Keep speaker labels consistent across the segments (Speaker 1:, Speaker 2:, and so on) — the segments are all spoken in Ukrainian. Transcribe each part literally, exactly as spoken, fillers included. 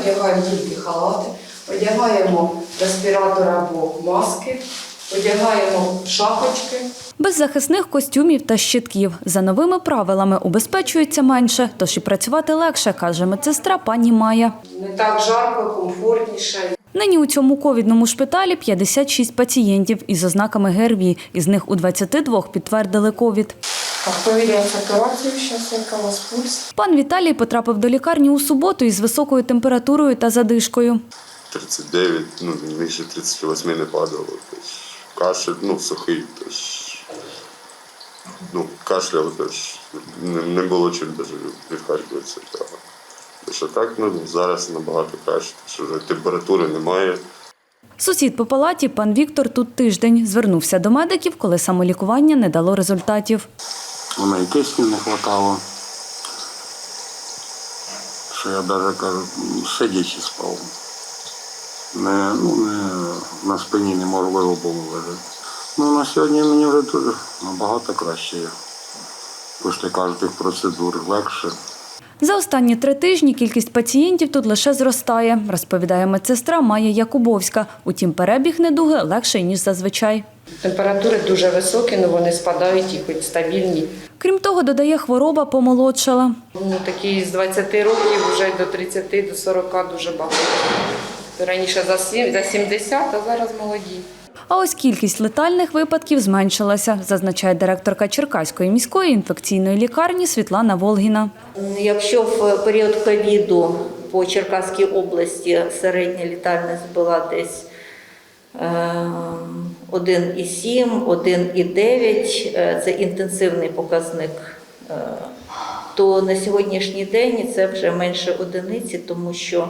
Speaker 1: одягаємо тільки халати, одягаємо респіратори або маски, одягаємо шапочки.
Speaker 2: Без захисних костюмів та щитків. За новими правилами убезпечується менше, тож і працювати легше, каже медсестра пані Майя.
Speaker 1: Не так жарко, комфортніше.
Speaker 2: Нині у цьому ковідному шпиталі п'ятдесят шість пацієнтів із ознаками ГРВІ. Із них у двадцяти двох підтвердили ковід.
Speaker 1: Так, перевіряємо сатурацію, зараз яка у вас пульс.
Speaker 2: Пан Віталій потрапив до лікарні у суботу із високою температурою та задишкою.
Speaker 3: тридцять дев'ять, ну, нижче тридцяти восьми не падало. Тобто, кашель, ну, сухий. Тобто, ну, кашляв, тобто, не, не було чим навіть відхаркуватися. Що так, ну, зараз набагато краще, що вже температури немає.
Speaker 2: Сусід по палаті, пан Віктор, тут тиждень. Звернувся до медиків, коли самолікування не дало результатів.
Speaker 4: У мене кисню не вистачало, що я навіть, кажу, сидячи спав. Не, ну, не, на спині неможливо було лежати. Ну, на сьогодні мені вже дуже набагато краще. Після кожних процедур легше.
Speaker 2: За останні три тижні кількість пацієнтів тут лише зростає, розповідає медсестра Майя Якубовська. Утім, перебіг недуги легший, ніж зазвичай.
Speaker 1: Температури дуже високі, але вони спадають і хоч стабільні.
Speaker 2: Крім того, додає, хвороба помолодшала.
Speaker 1: Ну, такі з двадцяти років вже до тридцяти, до сорока дуже багато. Раніше за сімдесят, а зараз молоді.
Speaker 2: А ось кількість летальних випадків зменшилася, зазначає директорка Черкаської міської інфекційної лікарні Світлана Волгіна.
Speaker 5: Якщо в період ковіду по Черкаській області середня летальність була десь один і сім, один і дев'ять, це інтенсивний показник, то на сьогоднішній день це вже менше одиниці, тому що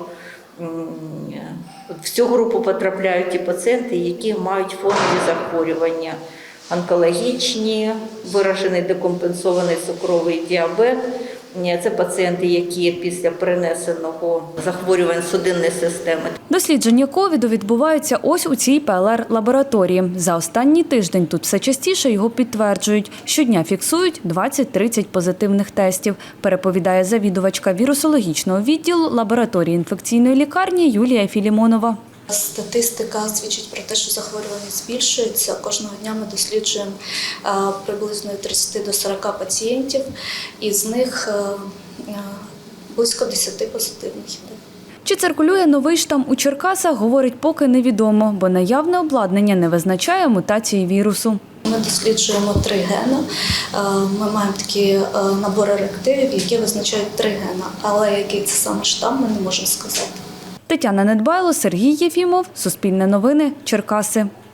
Speaker 5: в цю групу потрапляють ті пацієнти, які мають фонові захворювання, онкологічні, виражений декомпенсований цукровий діабет. Це пацієнти, які після перенесеного захворювань судинної системи.
Speaker 2: Дослідження ковіду відбуваються ось у цій ПЛР-лабораторії. За останній тиждень тут все частіше його підтверджують. Щодня фіксують двадцять-тридцять позитивних тестів, переповідає завідувачка вірусологічного відділу лабораторії інфекційної лікарні Юлія Філімонова.
Speaker 6: Статистика свідчить про те, що захворюваність збільшується. Кожного дня ми досліджуємо приблизно від тридцяти до сорока пацієнтів, із них близько десяти позитивних.
Speaker 2: Чи циркулює новий штам у Черкасах, говорить, поки невідомо, бо наявне обладнання не визначає мутації вірусу.
Speaker 6: Ми досліджуємо три гени. Ми маємо такі набори реактивів, які визначають три гени, але який це саме штам, ми не можемо сказати.
Speaker 2: Тетяна Недбайло, Сергій Єфімов, Суспільне новини, Черкаси.